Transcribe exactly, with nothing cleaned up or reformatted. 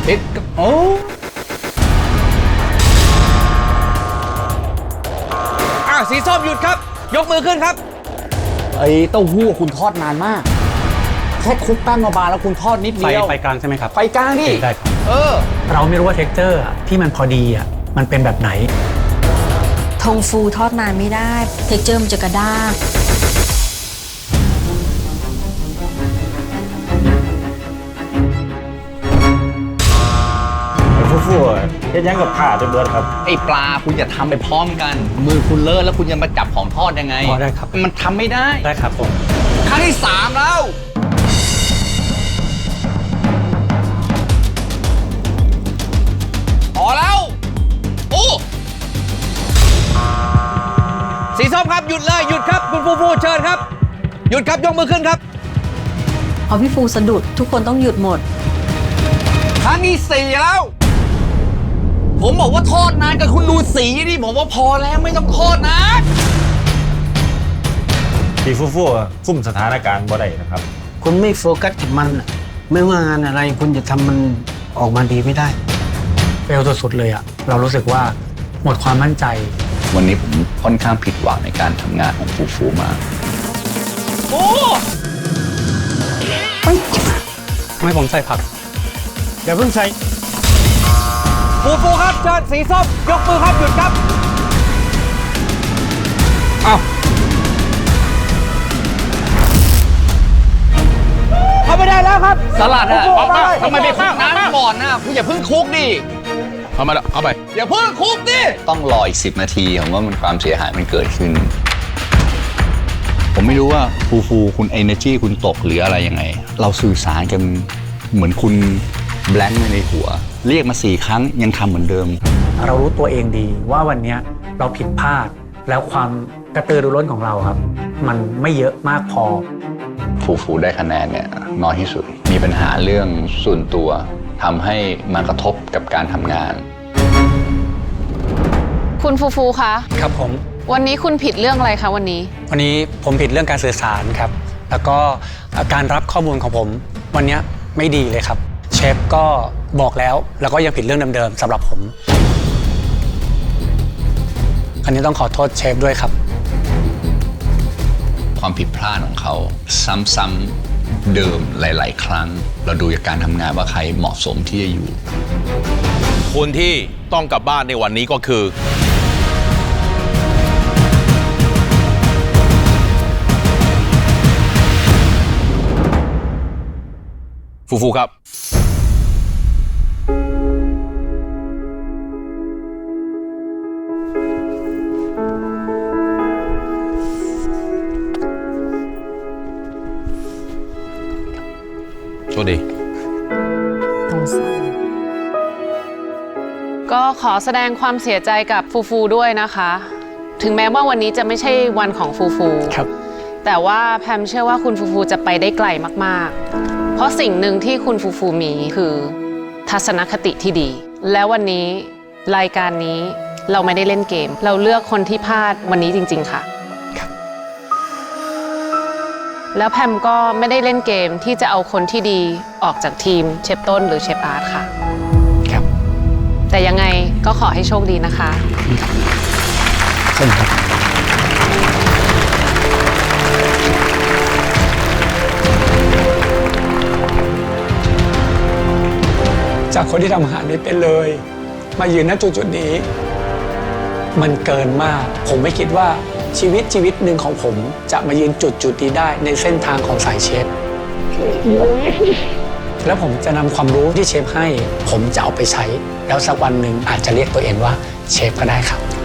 ดโอ้อ่ะสีส้มหยุดครับยกมือขึ้นครับไอ้เต้าหู้คุณทอดนานมากแค่คลุกแป้งมาบางแล้วคุณทอดนิดเดียวไฟกลางใช่ไหมครับไฟกลางนี่ได้ครับเออเราไม่รู้ว่าเท็กเจอร์ที่มันพอดีอ่ะมันเป็นแบบไหนทงฟูทอดนานไม่ได้เท็กเจอร์มันจะกระด้างฟูๆเฮ็ดยังกับขาจนเบิดครับไอ้ปลาคุณอย่าทำไปพร้อมกันมือคุณเลอะแล้วคุณจะมาจับของทอดยังไงพอได้ครับมันทำไม่ได้ได้ครับผมครั้งที่สามแล้วพอแล้วโอ้สีส้มครับหยุดเลยหยุดครับคุณฟูฟูเชิญครับหยุดครับยกมือขึ้นครับพอพี่ฟูสะดุดทุกคนต้องหยุดหมดครั้งที่สี่แล้วผมบอกว่าทอดนานกับคุณดูสีนี่ผมว่าพอแล้วไม่ต้องทอดนะพี่ฟูๆคุมสถานการณ์บ่ได้นะครับคุณไม่โฟกัสกับมันไม่ว่างานอะไรคุณจะทำมันออกมาดีไม่ได้เฟลสุดๆเลยอะเรารู้สึกว่าหมดความมั่นใจวันนี้ผมค่อนข้างผิดหวังในการทำงานของฟูฟูมากโอ้ไม่ผมใส่ผักอย่าเพิ่งใส่ฟูฟูครับเชิญสีส้มยกมือครับหยุดครับเอาเข้าไม่ได้แล้วครับสลัดอะทำไมไม่คลุกน้ำก่อนนะคุณอย่าเพิ่งคลุกดิเข้ามาเข้าไปอย่าเพิ่งคลุกดิต้องรออีกสิบนาทีผมว่ามันความเสียหายมันเกิดขึ้นผมไม่รู้ว่าฟูฟูคุณ energy คุณตกหรืออะไรยังไงเราสื่อสารกันเหมือนคุณแบงค์ในหัวเรียกมาสี่ครั้งยังทำเหมือนเดิมเรารู้ตัวเองดีว่าวันนี้เราผิดพลาดแล้วความกระตือรือร้นของเราครับมันไม่เยอะมากพอฟูฟูได้คะแนนเนี่ยน้อยที่สุดมีปัญหาเรื่องส่วนตัวทำให้มากระทบกับการทำงานคุณฟูฟูคะครับผมวันนี้คุณผิดเรื่องอะไรคะวันนี้วันนี้ผมผิดเรื่องการสื่อสารครับแล้วก็การรับข้อมูลของผมวันนี้ไม่ดีเลยครับเชฟก็บอกแล้วแล้วก็ยังผิดเรื่องเดิมๆสำหรับผมอันนี้ต้องขอโทษเชฟด้วยครับความผิดพลาดของเขาซ้ำๆเดิมหลายๆครั้งเราดูจากการทำงานว่าใครเหมาะสมที่จะอยู่คนที่ต้องกลับบ้านในวันนี้ก็คือฟูฟูครับโชคดีก็ขอแสดงความเสียใจกับฟูฟูด้วยนะคะถึงแม้ว่าวันนี้จะไม่ใช่วันของฟูฟูครับแต่ว่าแพมเชื่อว่าคุณฟูฟูจะไปได้ไกลมากๆเพราะสิ่งหนึ่งที่คุณฟูฟูมีคือทัศนคติที่ดีและวันนี้รายการนี้เราไม่ได้เล่นเกมเราเลือกคนที่พลาดวันนี้จริงๆค่ะแล้วแพมก็ไม่ได้เล่นเกมที่จะเอาคนที่ดีออกจากทีมเชฟต้นหรือเชฟอาร์ตค่ะครับแต่ยังไงก็ขอให้โชคดีนะคะเช่นครับจากคนที่ทำอาหารไม่เป็นเลยมายืนณจุดๆนี้มันเกินมากผมไม่คิดว่าชีวิตชีวิตหนึ่งของผมจะมายืนจุดจุดนี้ได้ในเส้นทางของสายเชฟแล้วผมจะนำความรู้ที่เชฟให้ผมจะเอาไปใช้แล้วสักวันหนึ่งอาจจะเรียกตัวเองว่าเชฟก็ได้ครับ